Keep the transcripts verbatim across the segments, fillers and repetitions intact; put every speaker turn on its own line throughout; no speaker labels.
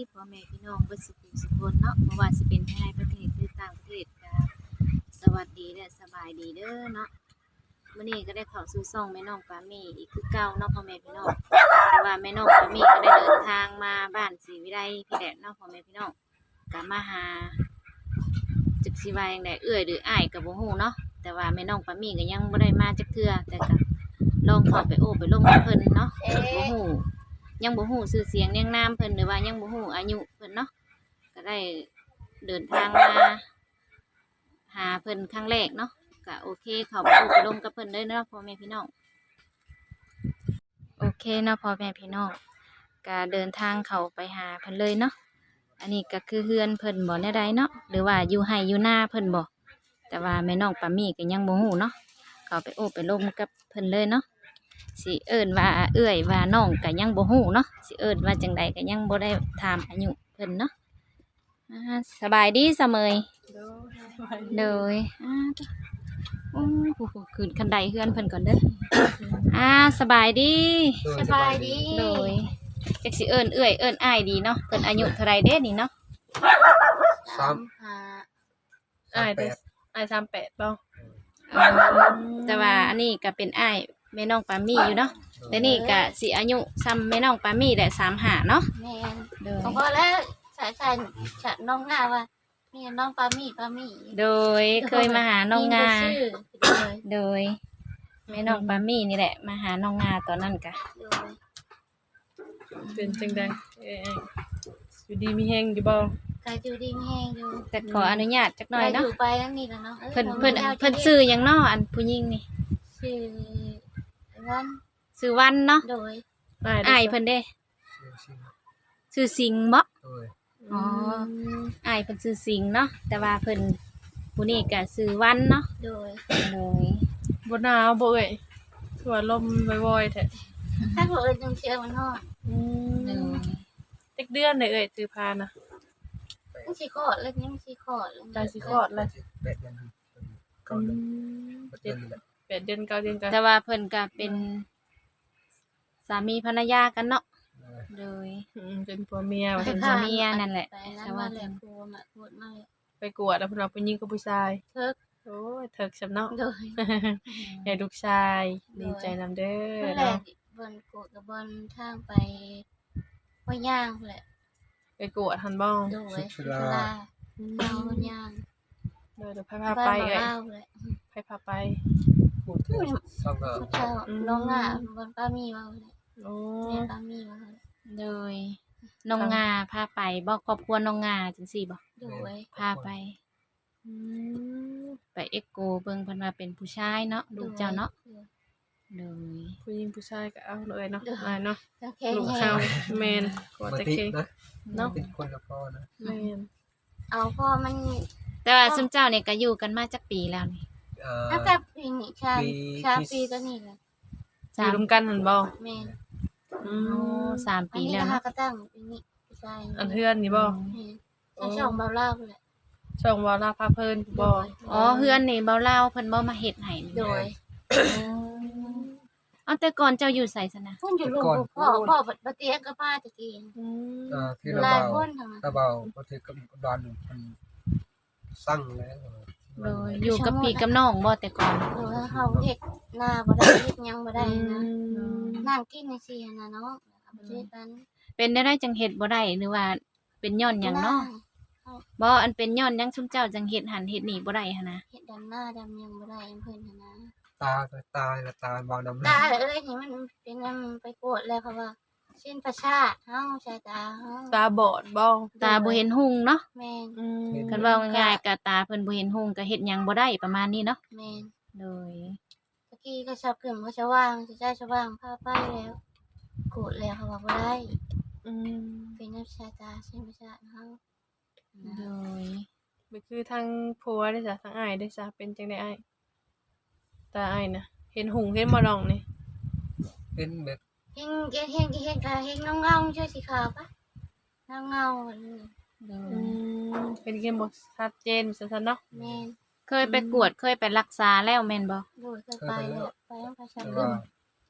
พ่อแม่พี่น้องเบิดสุขสุขคนเนาะบ่ว่าสิเป็นภายในประเทศหรือต่างประเทศก็สวัสดีและสบายดีเด้อเนาะมื้อนี้ก็ได้เข้าสู่ช่องแม่น้องปามี่อีกคือเก่าเนาะพ่อแม่พี่น้องแต่ว่าแม่น้องปามี่ก็ได้เดินทางมาบ้านศรีวิไลพี่แดดเนาะพ่อแม่พี่น้องก็มาหาจักสิว่าจังไดเอื้อยหรืออ้ายก็บ่ฮู้เนาะแต่ว่าแม่น้องปามี่ก็ยังบ่ได้มาจักเทื่อแต่ก็ลองเข้าไปโอ้ไปลมกับเพิ่นเนาะบ่ฮู้ยังบ่ฮู้ชื่อเสียงเรียงนามเพิ่นหรือว่ายังบ่ฮู้อายุเพิ่นเนาะก็ได้เดินทางมาหาเพิ่นครั้งแรกเนาะก็โอเคเข้าไปโอ้ไปลมกับเพิ่นเลยเนาะพ่อแม่พี่น้องโอเคเนาะพ่อแม่พี่น้องก็เดินทางเข้าไปหาเพิ่นเลยเนาะอันนี้ก็คือเฮือนเพิ่นบ่แน่ใดเนาะหรือว่าอยู่ไร่อยู่นาเพิ่นบ่แต่ว่าแม่น้องปามี่ก็ยังบ่ฮู้เนาะเข้าไปโอ้ไปลมกับเพิ่นเลยเนาะสิเอิ้นว่าเอื้อยว่าน้องก็ยังบ่ฮู้เนาะสิเอิ้นว่าจังใดก็ยังบ่ได้ถามอายุเพิ่นเนาะอ่าสบายดีเสมยโดยอ่าโอ้โหขึ้นคันไดเฮือนเพิ่นก่อนเด้ออ่าสบายดี
สบายดี
โดยจักสิเอิ้นเอื้อยเอิ้นอ้ายดีเนาะเพิ่นอายุเท่าไรเด้นี่เนาะ
สามหา
อ้ายเด้ออ้ายสามแปดบ่
อืมแต่ว่าอันนี้ก็เป็นอ้ายแม่น้องปามี่อยู่เนาะแต่นี่ก็สิอายุซ้ำแม่น้องปามี่แหละสามห้าเนาะ
แม่น
โดย
ผมก็แล้วสายสายฉันน้องงาว่ามีน้องปามี่ปามี่
โดยเคยมาหาน้องงา
มีบ่ชื่อเลย
โดยแม่น้องปามี่นี่แหละมาหาน้องงาตอนนั้นกะ
โดย
เป็นจังได๋เอ้ยอยู่ดีมีแฮงอยู่บ่
กายอยู่ดีมีแห้งอยู่
แต่ขออนุญาตจักหน่อย
กายอ
เนาะ
ยู่ไปนั่นนี่แหละเนาะ
เพิ่นเพิ่นเพิ่นซื้อหยังเนาะอันผู้หญิงนี่
ชื่อวัน
ซื้อวันเนาะ
โดย
อ้าย
อ้ายเพิ่นเด้ซื้อสิงห์บ่
อ๋อ
อ้ายเพิ่นซื้อสิงห์เนาะแต่ว่าเพิ่นผู้นี้ก็ซื้อวันเนาะ
โดย
โดย
บ่หนาวบ่เอ้ยคือว่าลมว่อยๆแท้
ถ้าบอกเอิ้นจังเชียวมันฮอด
อื
โด
ม
ย
จักเดือนได้เอ้ยซื้อพานะ
มันสิคลอดแล้วยังสิคลอดแล้ว
ใจสิคลอดแล้ว
แปดเดือนก่อนเลยแปดเดือนแหละ
แปดเดือนเก้าเดือนก็
แต่ว่าเพิ่นก็เป็นสามีภรรยากันเนาะโดย
อืมเป็นผัวเมียว่า
เป็
ซั่
น
น
ผัวเมียนั่นแหละ
ไปนั่น
แต่ว่า
มาแหละครูมาพูดมาเลย
ไปกวดแล้วเพิ่นว่าผู้หญิงกับผู้ชาย
เทิก
โอ้ยเถิกซำเนาะ
โดย
ให้ลูกชายดีใจนำเด้อ
นั่นแหละ
เนาะ
บนโกดกับบนทางไปห้วยย่างแหละ
ไปกวดหันบ่
โดย
สุ
สุ
รา
ราเอาห้วยย่าง
เดี๋ยวเดี๋ยวพาพา
บ้าน
ไป
มา
เอ้ย
เล่าแหละ
ไปพาไป
พูดถึงสองก็
พระเจ้าน้องอ่ะบนป้ามีมาเลย
โอ้
แม่ป้ามีมาเลย
โดยน้องงาพาไปบอกครอบครัวน้องงาจังซี่บ่
โดย
พาไป
อืม
ไปเอ็กโกเบิ่งเพิ่นว่าเป็นผู้ชายเนาะลูกเจ้าเนาะโดย
ผู้หญิงผู้ชายก็เอาเลยเนาะอ้ายเนาะ
แล้วแค่
ลูก
แห้
เขา
ง
แมนกว่า
มา
จะ
ติ
เก่ง
นะ
เนาะ
ติดคนละพ่อนะ
แมน
เอาพ่อมัน
แต่ว่าซุมเจ้าเนี่ยก็อยู่กันมาจักปีแล้วนี่
เอ่อ
ตั้งแต่ปีนี้ชาชาปีตัวนี้เลย
อ
สา
ยู่
ม
รวมกันหันบ่
แม่
อื
โอ้
ม
สาม
อัน
ปี
นี้
แล้ว
นะคะ
เนาะ
ก็ตั้งปีนี้ใช่
อันเพื่อนนี่บ่
แม่ถ้าช่องเบาเล่าเลย
ช่องวาลาพาเพลินบ่
อ๋อเฮือนนี่เบาเล่าเพิ่นบ่มาเฮ็ดให้นี่
โดย
เอาแต่ก่อนเจ้าอยู่ไสซะนะ
พุ่นอยู่ลูกพ่อพ่อบัดเตียงกับป้าตะกี้
อืม
เอ่อที่เรา
หลาย
เบา
คนทั้งนั้น
เราเบาก็ถือกับดอนมันสั่งแล้ว
โดยอยู่กับพี่กับน้องบ่แต่ก่อน
โดยเฮาเฮ็ดหน้าบ่ได้เฮ็ดหยังบ่ได้นะ นั่งกินในเสียนะเนาะเอาไปช่วยกัน
เป็นได้ได้จังเฮ็ดบ่ได้หรือว่าเป็นย้อนหยังเนาะบ่อันเป็นย้อนหยังซุมเจ้าจังเฮ็ดหันเฮ็ดนี่บ่ได้หั่นนะ
เฮ็ดดำหน้าดำยังบ่ได้เพิ่นหั่นนะ
ตาก็ตายละตาเบาดำ
ตาเอ้ยนี่มันเป็นนำไปโกรธแล้วเพราะว่าเส้นประสาทเฮาสายตาเฮา
ตาบอดบ่
ตาบ่เห็นหุ่งเนาะ
แม่น
อืม
คันเว้าง่ายๆก็ตาเพิ่นบ่เห็นหุ่งก็เฮ็ดหยังบ่ได้ประมาณนี้เนาะ
แม่น
โดย
ตะกี้ก็ชอบขึ้นก็จะว่างจะได้จะว่างพาไปแล้วโกรธแล้วเขาว่าบ่ได้
อืม
เป็นน้ำสายตาเส้นประสาทเฮา
โดย
ก็คือทางผัวได้จ้ะทางอ้ายได้จ้ะเป็นจังได๋อ้ายตาอ้ายน่ะเห็นหุงเห็นบ่ดองนี่
เป็นแบบ
เห็นเห็นเห็นเห็นกะเห็นเงาๆช่วยสีขาวปะเงาเงาๆนี่
โด
อื
ย
มเป็นเกมบ่ชัดเจนซั่นๆเนาะ
แม่น
เคยไปกวดเคยไปรักษาแล้วแม่นบ่
โดยเคยไปแล้วไปต้องไปชัก
แต่
ขึ้
ว่าน ไป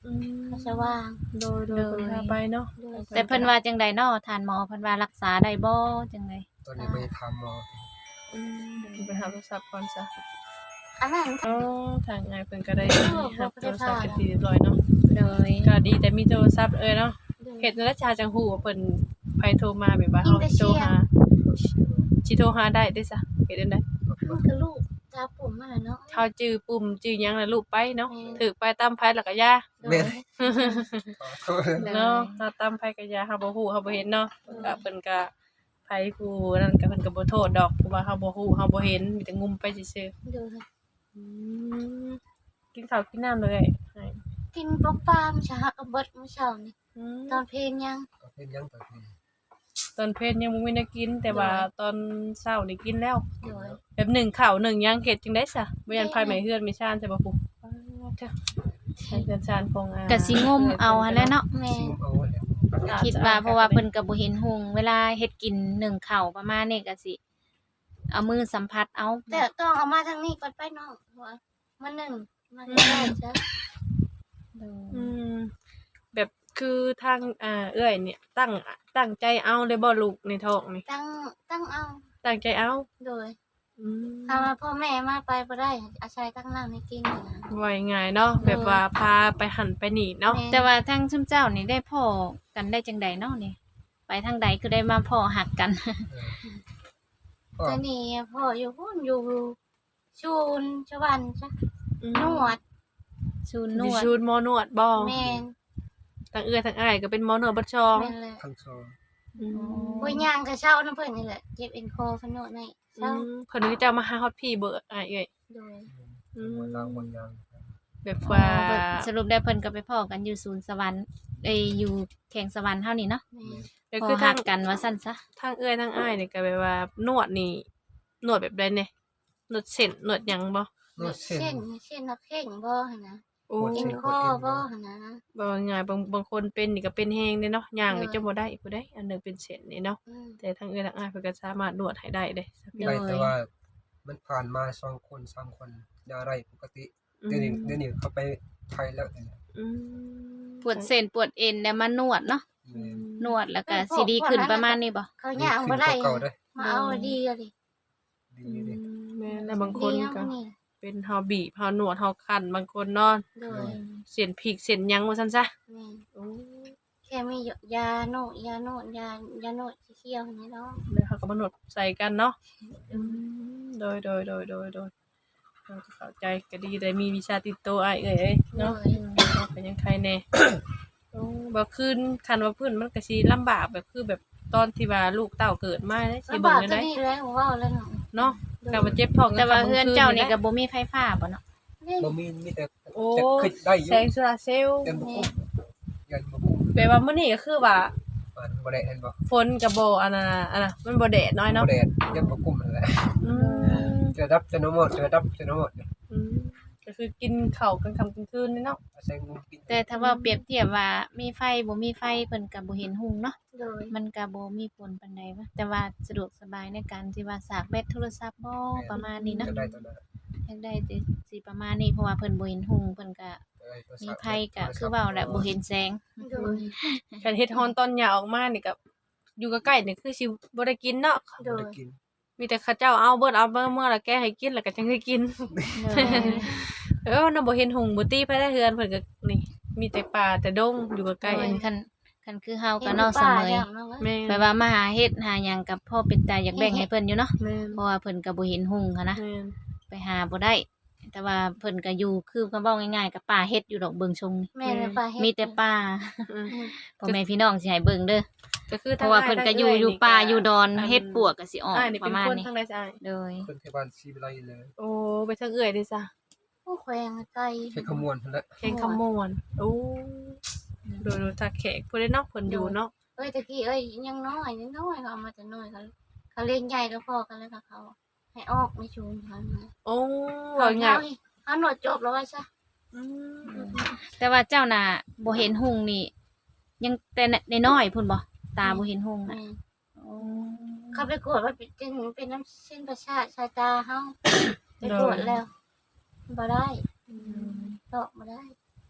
อืม
เขาจะว่าง
โดยโดยเพิ่นพาไปเนาะ
โดย
แต่เพิ่นว่าจังใดเนาะทานหมอเพิ่นว่ารักษาได้บ่จังได
ตอนนี้ไปทำหมอ
อืมเดี๋ยวไปหาโทรศัพท์ก่อนซะ
อันนั้น
อ๋อทางงานเพิ่นก็ได้
เออ
รับ
บ่
โท
ได้
รศัพท์
พา
เป็นที่เรียบร้อยเนาะ
โดย
ก็ดีแต่มีโทรศัพท์เอ้ยเนาะ
โดย
เฮ็ดนั่นแหละชาจังฮู้ว่าเพิ่นไผโทรมาแบบว่า
ยิ
เฮาง
แต่
สิโทร
เสียง
หาสิโทรหาได้เด้อซะเฮ็ดจั่งใด
มันก็ลูกตาปุ่มมาแล้วเนาะ
เฮาจื้อปุ่มจื้อหยังแล้วลูกไปเนาะ
แม่น
ถูกไปตามไผแล้วก็ยา
โดย
เนาะถ้าตามไผก็ยาเฮาบ่ฮู้เฮาบ่เห็นเนาะก็เพิ่นก็ไผผู้นั่นก็เพิ่นก็บ่โทษดอกเพราะว่าเฮาบ่ฮู้เฮาบ่เห็นมีแต่งุมไปซื่อ
โดย
ๆอืมกินข้าวกินน้ำเลยให้
กินปลาปลาเมื่อเช้ากับเบิดเมื่อเช้านี่
อืม
ตอนเพลงยัง
ก็เป็นยังต่อที
ตอนเพลยังบ่มีแนวกิน แต่ว่าตอนเช้านี่กินแล้ว
โดย
แบบหนึ่งข้าวหนึ่งหยังเฮ็ดจังได๋ซะบ่ยันไผไหม้เฮือนไม่ชานใช่บ่ปุ๊อ้าวเจ้าใช้เฮือนชานของอ่า
ก็สิงมเอาหั่นแหละเนาะ
แม่
ซิมเอาไว้แล้ว
คิดว่าเพราะว่าเพิ่นก็บ่เห็นหุงเวลาเฮ็ดกินนึ่งข้าวประมาณนี้ก็สิ เอามือสัมผัสเอา
แต่ต้องเอามาทางนี้ก่อนไปเนาะเพราะว่ามันหนึ่งมันไม่ได้จ้ะ
โดย
อืมแบบคือทางอ่าเอื้อยเนี่ยตั้งตั้งใจเอาเลยบ่ลูกในท้องนี่
ตั้งตั้งเอา
ตั้งใจเอา
โดย
อืม
ถ้าว่าพ่อแม่มาไปบ่ได้อาศัยตั้งน้ำให้กินนี่นะ
ว่าง่ายๆเนาะแบบว่าพาไปหันไปนี่เนาะ
แม่
แต่ว่าทางซุมเจ้านี่ได้พ้อกันได้จังใดเนาะนี่ ไปทางใดคือได้มาพ้อหักกัน
ก็
แต่นี่พ่ออยู่พุ่นอยู่ชูนชวันจ้ะ
อืม
นวด
ชูน
อน ยู่
วด
ชูนหมอนวดบ่
แม่น
ทั้งเอื้อยทั้งอ้ายก็เป็นหมอนวดเบัดชอง
แม่นแหละ
ทั้งสอง
อืม
ป่วยย่างก็เช้าน้ำเพิ่นนี่แหละเจ็บเอ็นคอเพิ่นโนดให้
อื
เช้าม
เพิ่นก็จะมาหาฮอดพี่เบิดอ้ายเอ้ย
โดย
อืม
วันล้างวันยาง
แบบ
อ๋อ
ว่า
เบิดสรุปได้เพิ่นก็ไปพ้อกันอยู่ศูนย์สวรรค์เอ้ยอยู่แข่งสวรรค์เฮานี่เนาะ
แม่
ก็
พ้
คือ อ
หั
ทาง
กกันว่าซั่นซะ
ทางเอื้อยทางอ้ายนี่ก็แบบว่านวดนี่นวดแบบใดเนี่ยนวดเส้นนวดหยังบ่
นวดเส้น
เช่นเช่นนักเข่งบ่หั่นนะ
โอ้
ปวด
เอ็
ส้
นคอบ่หั่นนะ
บ่ว่าง่ายบางบางคนเป็นนี่ก็เป็นแฮงเด้เนาะย่างก็
เออ
จะบ่ได้ผู้ใดอันหนึงเป็นเส้นนี่เนาะ
อืม
แต่ทางเอื้อยทางอ้ายเพิ่นก็สามารถนวดให้ได้เด้
ไปแต่ว่ามันผ่านมาสองคนสามคนยาไรปกติเดี๋ยวนี้เดี๋ยวนี้เขาไปไทยแล้วเนี่ย
อืม
ปวดเส้นปวดเอ็นแล้วมานวดเนาะ
อืม
นวดแล้วก็สิดีขึ้นประมาณนี้บ่
เขาย่างบ่ได้
เก่าได้
มาเอาดีอะดิ
ดี
อื
ดี
มแม่นแล้วบางคน
ดีนะ
ก็
มันนี่
เป็นเฮาบีบเฮานวดเฮาคั่นบางคนเนาะ
โดย
เส้นพริกเส้นหยังว่าซั่นซะ
แม่
โอ้
แค่มียาโนดยาโนดยายาโนดเขียวๆนี่เนาะ
แล้วเขาก็มานวดใส่กันเนาะอืมโดยโดยโดยโดยโดยเราจะเข้าใจก็ดีได้มีวิชาติดตัวอ้ายเอ้ยเอ้ยเนาะ
โดย
เป็นยังใครแน่ โอ้บ่คืนคันว่าพื้นมันก็สิลำบากแบบคือแบบตอนที่ว่าลูกเต้าเกิดมาได้สิ
ลำ
เบิ่
บาง ก
ได้
ก็
ได้
ดีแล้วเว้าแล้วเนาะ
เนาะก็บ่เจ็บท้อง
แต่ว่า
ก็
เฮือนเจ้านี่ก็บ่มีไฟฟ้าบ่เนาะ
บ่มีมีแต่
โอ้
จะคิดได้อยู่
แสงโซลาร์เซลล์
เต็มบุกยันบุก
แปลว่ามื้อนี้ก็คือว่า
มันบ่ได้เห็นบ่
ฝนก็บ่อันน่ะอันน่ะมันบ่แดดน้อย
บ่
เนาะ
ได้ยันบ่กุมนั่นแหละ
อืม
จะดับจะนหมดจะดับจะนหมด
อืมก็คือกินข้าวกลางค่ำกลางคืนนี่เนาะ
อาศัยงูกิน
แต่ถ้าว่าเปรียบเทียบว่ามีไฟบ่มีไฟเพิ่นก็บ่เห็นหุงเนาะ
โดย
มันก็บ่มีผลปานใดวะแต่ว่าสะดวกสบายในการที่ว่าสากแบตโทรศัพท์บ่ประมาณนี้เนาะ
จะได้ตอนนั้น
อยากได้สิสิประมาณนี้เพราะว่าเพิ่นบ่เห็นหุงเพิ่นก็มีไฟก็คือเว้าแหละบ่เห็นแสง
โดย
การเฮ็ดฮอนตอนหยาออกมานี่ก็อยู่ใกล้ๆนี่คือสิบ่ได้กินเนาะ
โดย
ได้กิน
มีแต่เขาเจ้าเอาเบิดเอาเบิดเมื่อแล้วแกให้กินแล้วก็จังได้กิน เออน่ะบ่เห็นหงส์บ่ตีไปได้เฮือนเพิ่นก็นี่ มีแต่ป่าแต่ดงอยู่ใกล้
เพิ่
ๆ
น
นี่
คันคันคือเฮา
เห็
ก็
น
เนาะเส
ป่าม
อ
อย่างเนาะ
แม่
แปลว่ามาหาเฮ็ดหาหยังกับพ่อเป็นตาอยากแบ่งให้เพิ่นอยู่เนาะ
แม่น
เพราะว่าเพิ่นก็บ่เห็นหุงหันนะ
แม่น
ไปหาบ่ได้ แต่ว่าเพิ่นก็อยู่คือก็เว้าง่ายๆกับป่าเฮ็ดอยู่ดอกเบิงชงนี่
แม่เลยป่าเฮ็ด
มีแต่ป่า
อืม
พ่อแม่พี่น้องสิให้เบิ่งเด้อ
ก็คือ
เพราะว่าเพิ่นก็อยู่อยู่ป่าอยู่ดอนเฮ็ดปวกก็สิออก
อ้ายนี่
ป
เป็น
ระมาณ
คน
นี้
ทางใดจ้ะอ้าย
โดย
คนที่บ้านซีวิไลเลย
โอ้ไปทางเอื้อยเด้จ้ะ
โอ้แขวงไกล
ใช้ขมวนนั่นแหละ
แข่งขมวนโอ้โดยโดยทักแขกผู้ใดเนาะเพิ่นอยู่เนาะ
เอ้ยตะกี้เอ้ยยังน้อยยังน้อยเขาเอามาแต่น้อยเขาเขาเล่นใหญ่แล้วพอกันแล้วค่ะเขา ให้ออกไม่ชูนเขามา
โอ้
เขา
ว่าไง
เงาเขาหนวดจบแล้วว่าซะ
อืม
แต่ว่าเจ้าน่ะบ่เห็นหุงนี่ ยังแต่น้อยๆพุ่นบ่ตาบ่เห็นหุงน่ะ
แม่
โอ้
เขาไปกวดว่าเป็นเป็นน้ำเส้นประสาทสายตาเฮาไปกวดแล้วบ่ได้ตอกบ่ได้
โด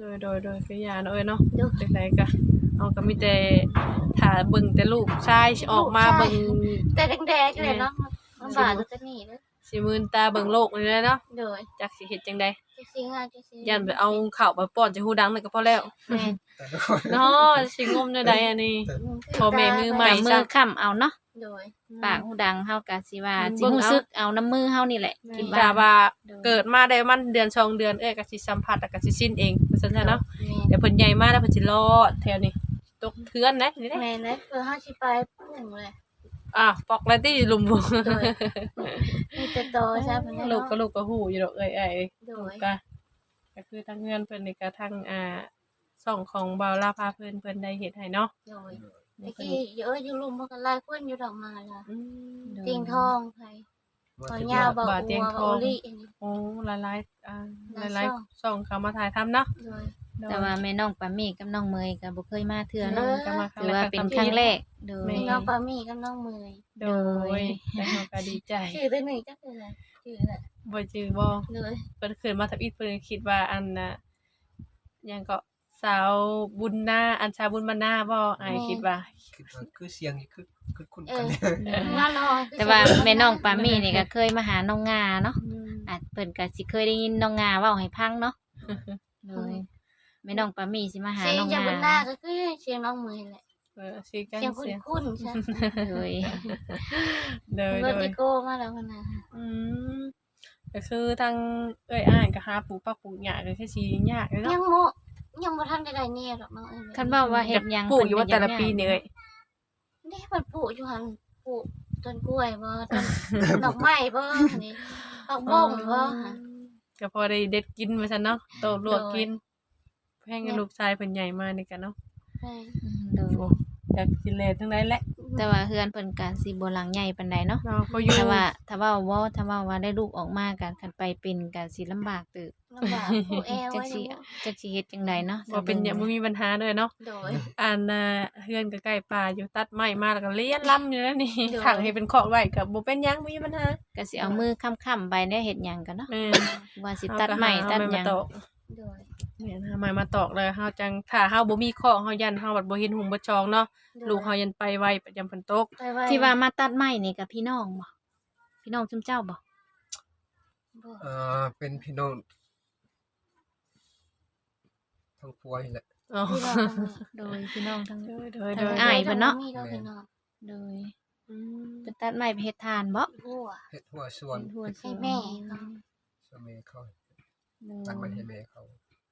โดยโดยโดยคือยาเนาะเอ้ยเนาะ
ดู
จังไดก็เอาก็มีแต่ถ้าเบิ่งแต่ลูกชายสิออกมาเบิ่ง
แต่แดงๆเลยเนาะมันบาดตัวนี้เด้อ
สิมื่นตาเบิ่งโลกนี่แหละเนาะ
โดย
จักสิเฮ็ดจังได๋
จะสิงอ่ะจะสิ
ยันไปเอาข้าวไปป้อนจะฮู้ดังนั่นก็พอแล้ว
แม่น
แต่ละคน
เนาะสิงมแนวใดอันนี้ พ่อแม่มือใหม่
กับมือค้ำเอาเนาะ
โดย
ปากหูดังเฮาก็สิว่า
อืม
สิรู้สึกเอาน้ำมือเฮานี่แหละคิด
ถ้า
ว่า
ว่าเกิดมาได้มันเดือนสองเดือนเอ้ยก็สิสัมผัสแล้วก็สิชินเองว่าซั่นซะเนาะ
แม่น
เดี๋ยวเพิ่นใหญ่มาแล้วเพิ่นสิรอดแถวนี้ตกเทือนนะนี่เด้
แม่นเลยคือเฮาสิไปพุ่งเลย
อ่ะปอกแล้วที่ลุมบ่
โดยมีแต่โตใช่เพิ่น
ลูกก็ลูกก็ฮู้อยู่ดอกเอ้ยเอ้ย
โดย
ก็ก็คือทางเงินเพิ่นนี่ก็ทางอ่าช่องของบ่าวลาพาเพิ่นเพิ่นได้เฮ็ดให้เนาะ
โดยตะกี้เยอะอยู่ลุมมันก็หลายคนอยู่ดอกมาล่ะ
อืม
เตียงทองไผขอยาวบอก
บาทเตียง
อัว
ทอง
โอลี่อันนี้
โอ้หลายๆอ่า
หลาย
หลาย
ช่อง
ๆช่องเขามาถ่ายทำเนาะ
โดย
แต่ว่าแม่น้องปามี่กับน้องเมยก็บ่เคยมาเทื่อ
เอ
เนาะ
อ
ก็มาครั้
ถื
ง
อ
แร
ว่าก เป็นครั้งแรกโดย
มีน้องปามี่กับน้องเมย
โดยแล้วเราก็ดีใจ
ชื่อตัวนี้จักคืออะไรชื่ออะไร
บ่จือบ่
โดย
เพิ่นขึ้นมาทับอีกเพิ่นคิดว่าอันน่ะหยังก็สาวบุญนาอันชาวบุญมานาบ่อ้ายคิดว่า
คิดว่าคือเสียงนี่คือคือคุ้น
เอ
กัน
อ
เนี่ย
น่าลอย
แต่ว่าแม่น้องปามี่นี่ก็เคยมาหาน้องงาเนาะอาจเพิ่นก็สิเคยได้ยินน้องงาเว้าให้ฟังเนาะเลยแม่น้องปามี่สิมาหา
เสียง
น้อง
จาก
งา
บนหน้าก็คือเสียงน้องเมยแหละ
เออสิกัน
เสียง
เสียง
คุ้นๆใช่
เลย
เด้อ
เบอร์
ๆ
ติโก้มาแล้วคนน่ะ
อืมก็คือทางเอ้ยอ้ายก็หาปลูกปักปลูกหญ้าก็แค่สิยากเลย
ยั
เนาะ
งโมยังบ่ทันได้ได้เนี่ยดอกน้องเอ้ย
คันเว้าว่าเฮ็ดหยัง
ปลูกอยู่ว่า
เพิ่
แต่
น
ละ
ก็
ปีนี่เอ้ย
นี่มันปลูกอยู่หั่นปลูกต้นกล้วยบ่ต้นดอกไม้บ่นี่ดอกบ้งบ่หั่น
ก็พอได้เด็ดกินว่าซั่นเนาะโตลวกกินแพงกับลูกชายเพิ่นใหญ่มานี่กันเนาะ
ใช่
โดย
โอ้อยากกินแลทั้งนั้นแหละ
แต่ว่าเฮือนเพิ่นก็สิบ่หลังใหญ่ปานใดเนาะ
เราพออยู่
ถ้าว่าถ้าเว้าบ่ถ้าเว้าว่าได้ลูกออกมากันคันไปเป็นก็สิลำบากตึก
ลำบากปลูกแอร์
จั
ไว้
กสิ
เนาะ
จักสิเฮ็ดจังไดเนาะ
บ่เป็นหยังบ่มีปัญหาเลยเนาะ
โดย
อันน่ะเฮือนก็ใกล้ป่าอยู่ตัดไม้มาแล้วก็เลี้ยนล้ำอยู่แล้วนี่
เดี๋ยว
ขังให้เป็นคอกไว้ก็บ่เป็นหยังบ่มีปัญหา
ก็สิเอามือค้ำๆไปได้เฮ็ดหยังกันเนาะ
แม่น
ว่าสิตัดไม้
เอา
ตัด
ไม้
ห
มา
ยัง
ตอก
โดย
แม่นหาไม้มาตอกเลยเฮาจังถ้าเฮาบ่มีคอกเฮายันเฮาบัดบ่เห็นหุงบ่จองเนาะ
โดย
ลูกเฮายันไปไวประจำฝนตก
ไปไว้
ที่ว่ามาตัดไม้นี่กับพี่น้องบ่พี่น้องซุมเจ้าบ่
บ่
เอ่อเป็นพี่น้องทั้งผัวนี่แหละ
อ๋อ
ที่ว่า
โดยพี่น้องทั้ง
โดยโดย
ทั้
โด
ง
ย
อ้าย เพิ่นเนาะ
มีดอกพี่น้อง
โดย
อืม
ไปตัดไม้ไปเฮ็ดทานบ่
หัว
เฮ็ดหัวสวน
เป็นทั่ว
ให้แม่เขา
สมัยเขา
โด
ตั้งไว้
ย
ให้แม่เขา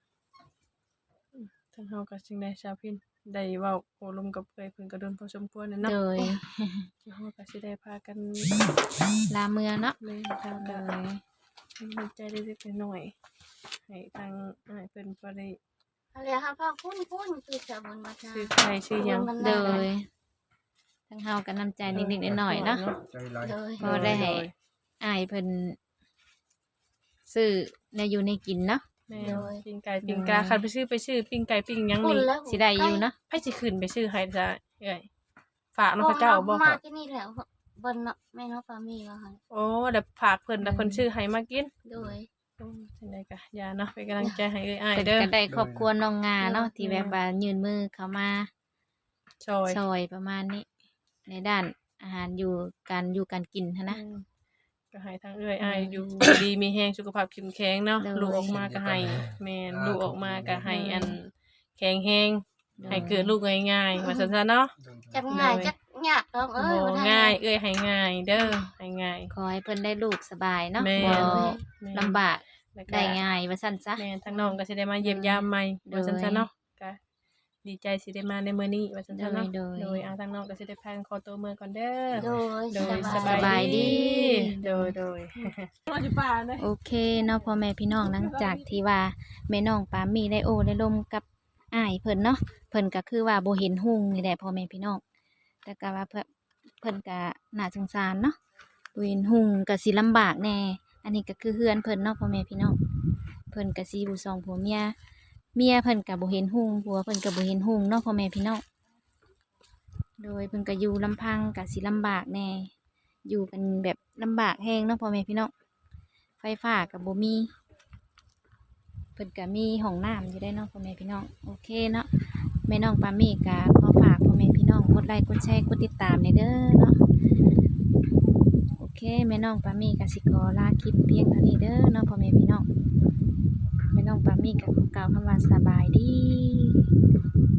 ทางเฮาก็จึงได้ชาวพินได้เว้าโอ้ลมกับเอ้ยเพิ่นก็โดนพอสมควรน่ะเนาะ
โดย
เฮาก็สิได้พากัน
ลาเมือเนาะ
เล่นทาง
โด
ก็
ย
มีใจเล็กๆน้อยๆให้ทางอ้ายเพิ่นบ่ได้
อะไรครับพ่อคุ้นๆคือจะบนมาจ้า
ชื่อใครชื่อหยัง
โดยทั้งเฮาก็น้ำใจนิดๆหน่อยๆเนาะ
ใจร้าย
โดย
ก็ได้ให้ อ้ายเพิ่นซื้อแนวอยู่ในกินเนาะ
แม่ปิ้งไก่ปิ้งกาคันไปซื้อไปซื้อปิ้งไก่ปิ้งหยัง
คุณ
นี่
แล้ว
สิได้อยู่เนาะ
ไผสิขึ้นไปซื้อให้จ้ะเอ้ยฝากน้องพระเจ้าบ่
มา
ค่ะ
ที่นี่แหละบนเนาะแม่น้องปามีว่าค่ะ
โอ้เดี๋ยวฝากเพิ่นแล้วเพิ่นซื้อให้มากิน
โดย
โอ้จังได๋ก็อย่าเนาะเป็นกำลังใจให้เอ้ยอ้าย
เพิ่น
เด้อ
ก็ได้ครอบครัวน้องงาเนาะที่แบบว่ายื่นมือเข้ามา
ซอย
ซอยประมาณนี้ ในด้านอาหารอยู่การอยู่การกินหั้นนะ
อืมก็ให้ทางเอ้ยอ้ายอยู่ดีมีแรงสุขภาพเข้มแข็งเนาะ
โดย
ลูกออกมาก็ให้แม่นลูกออกมาก็ให้อันแข็งแรงให้เกิดลูกง่ายๆว่าซั่นซะเนาะ
จักง่ายจักยากต้องเอ้ย
โอ้
บ่ทัน
ง่ายเอ้ยให้ง่ายเด้อให้ง่าย
ขอให้เพิ่นได้ลูกสบายเนาะ
แม่
บ่
แม่
ลำบาก
แล้วก็
ได้ง่ายว่าซั่นซะ
แม่ทางน้องก็สิได้มาเยี่ยมยามใหม่
โดย
ว่าซั่นซะเนาะก็ดีใจสิได้มาในมื้อนี้ว่าซั่นซะเนาะ
โดยโดย
โดยอาทางน้องก็สิได้พากันขอตัวมื้อก่อนเด้อ
โดย
โดย
ส
ส
บา
บาย ย
ดี
ดีโดยโดยรออยู่ป่าเด้
โอเคเนาะพ่อแม่พี่น้องหลังจากที่ว่าแม่น้องปามีได้โอ้ได้ลมกับอ้ายเพิ่นเนาะเพิ่นก็คือว่าบ่เห็นหุ่งนี่แหละพ่อแม่พี่น้องแต่ก็ว่าเพิ่นเพิ่นก็น่าสงสารเนาะบ่เห็นหุ่งก็สิลำบากแน่อันนี้ก็คือเฮือนเพิ่นเนาะพ่อแม่พี่น้องเพิ่นก็สิอยู่สองผัวเมียเมียเพิ่นก็บ่เห็นหุ่งผัวเพิ่นก็บ่เห็นหุ่งเนาะพ่อแม่พี่น้องโดยเพิ่นก็อยู่ลำพังก็สิลำบากแน่อยู่กันแบบลำบากแฮงเนาะพ่อแม่พี่น้อง ไฟฟ้ากับบ่มี เพิ่นก็มีห้องน้ำอยู่ได้เนาะพ่อแม่พี่น้องโอเคเนาะแม่น้องปามี่ก็ขอฝากพ่อแม่พี่น้องกดไลค์กดแชร์กดติดตามในเด้อเนาะโอเคแม่น้องปามี่ก็สิขอลาคลิปเพียงเท่านี้เด้อเนาะพ่อแม่พี่น้องแม่น้องปามี่ก็ขอกล่าวคำว่าสบายดี